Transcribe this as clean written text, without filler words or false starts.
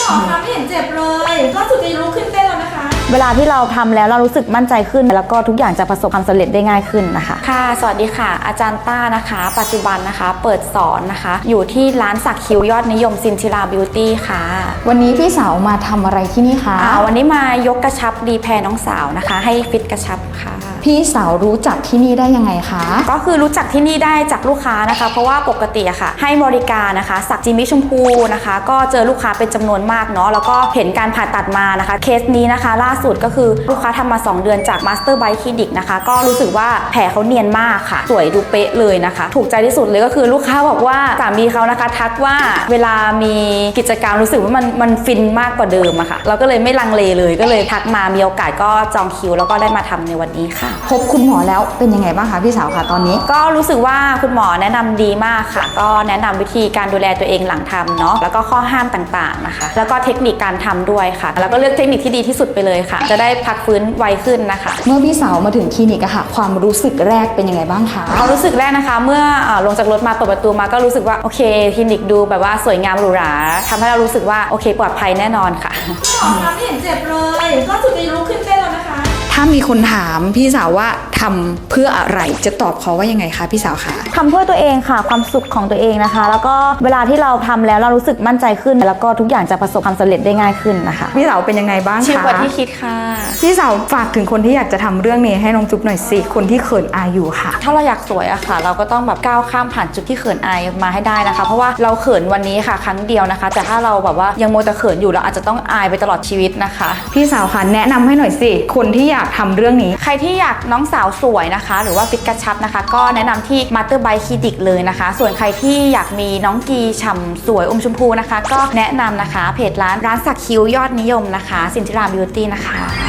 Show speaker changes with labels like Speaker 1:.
Speaker 1: หมอคะไม่เห็นเจ็บเลยก็สุดจะลุกขึ้นเต้นแล้วนะคะ
Speaker 2: เวลาที่เราทำแล้วเรารู้สึกมั่นใจขึ้นแล้วก็ทุกอย่างจะประสบความสำเร็จได้ง่ายขึ้นนะคะ
Speaker 3: ค่ะสวัสดีค่ะอาจารย์ต้านะคะปัจจุบันนะคะเปิดสอนนะคะอยู่ที่ร้านสักคิ้วยอดนิยมซินทิราบิวตี้ค่ะ
Speaker 4: วันนี้พี่สาวมาทำอะไรที่นี่คะ
Speaker 3: วันนี้มายกกระชับรีแพร์น้องสาวนะคะให้ฟิตกระชับค่ะ
Speaker 4: พี่สาวรู้จักที่นี่ได้ยังไงคะ
Speaker 3: ก็คือรู้จักที่นี่ได้จากลูกค้านะคะเพราะว่าปกติอะค่ะให้บริการนะคะสักจิมมี่ชมพูนะคะก็เจอลูกค้าเป็นจำนวนมากเนาะแล้วก็เห็นการผ่าตัดมานะคะเคสนี้นะคะล่าสุดก็คือลูกค้าทำมา2 เดือนจากมาสเตอร์ไบค์คลินิกนะคะก็รู้สึกว่าแผลเขาเนียนมากค่ะสวยดูเป๊ะเลยนะคะถูกใจที่สุดเลยก็คือลูกค้าบอกว่าสามีเขานะคะทักว่าเวลามีกิจกรรมรู้สึกว่ามันฟินมากกว่าเดิมอะค่ะเราก็เลยไม่ลังเลเลยก็เลยทักมามีโอกาสก็จองคิวแล้วก็ได้มาทำในวันนี้ค่ะ
Speaker 4: พบคุณหมอแล้วเป็นยังไงบ้างคะพี่สาวคะตอนนี้
Speaker 3: ก็รู้สึกว่าคุณหมอแนะนำดีมากค่ะก็แนะนำวิธีการดูแลตัวเองหลังทำเนาะแล้วก็ข้อห้ามต่างๆนะคะแล้วก็เทคนิคการทำด้วยค่ะแล้วก็เลือกเทคนิคที่ดีที่สุดไปเลยค่ะจะได้พักฟื้นไวขึ้นนะคะ
Speaker 4: เมื่อพี่สาวมาถึงคลินิกอะค่ะความรู้สึกแรกเป็นยังไงบ้างคะ
Speaker 3: ความรู้สึกแรกนะคะเมื่อลงจากรถมาเปิดประตูมาก็รู้สึกว่าโอเคคลินิกดูแบบว่าสวยงามหรูหราทำให้เรารู้สึกว่าโอเคปลอดภัยแน่นอนค่ะ
Speaker 1: หมอคะไม่เห็นเจ็บเลยก็สุดจะลุกขึ้นเต้นแล้วนะคะ
Speaker 4: ถ้ามีคนถามพี่สาวว่าทำเพื่ออะไรจะตอบเขาว่ายังไงคะพี่สาวคะ
Speaker 2: ทำเพื่อตัวเองค่ะความสุขของตัวเองนะคะแล้วก็เวลาที่เราทำแล้วเรารู้สึกมั่นใจขึ้นแล้วก็ทุกอย่างจะประสบความสำเร็จได้ง่ายขึ้นนะคะ
Speaker 4: พี่สาวเป็นยังไงบ้างคะ
Speaker 3: ชิลกว่าที่คิดค่ะ
Speaker 4: พี่สาวฝากถึงคนที่อยากจะทำเรื่องนี้ให้น้องจุ๊บหน่อยสิคนที่เขินอายอยู่ค่ะ
Speaker 3: ถ้าเราอยากสวยอะค่ะเราก็ต้องแบบก้าวข้ามผ่านจุดที่เขินอายมาให้ได้นะคะเพราะว่าเราเขินวันนี้ค่ะครั้งเดียวนะคะแต่ถ้าเราแบบว่ายังโมแต่เขินอยู่เราอาจจะต้องอายไปตลอดชีวิตนะคะ
Speaker 4: พี่สาวค่ะแนะนำให้หน่อยสิคนที่อยากทำเรื่องนี้
Speaker 3: ใครที่อยากน้องสาวสวยนะคะหรือว่าฟิตกระชับนะคะก็แนะนำที่มาสเตอร์ไบค์คลินิกเลยนะคะส่วนใครที่อยากมีน้องกีฉ่ำสวยอมชมพูนะคะก็แนะนำนะคะเพจร้านสักคิ้วยอดนิยมนะคะซินทิราบิวตี้นะคะ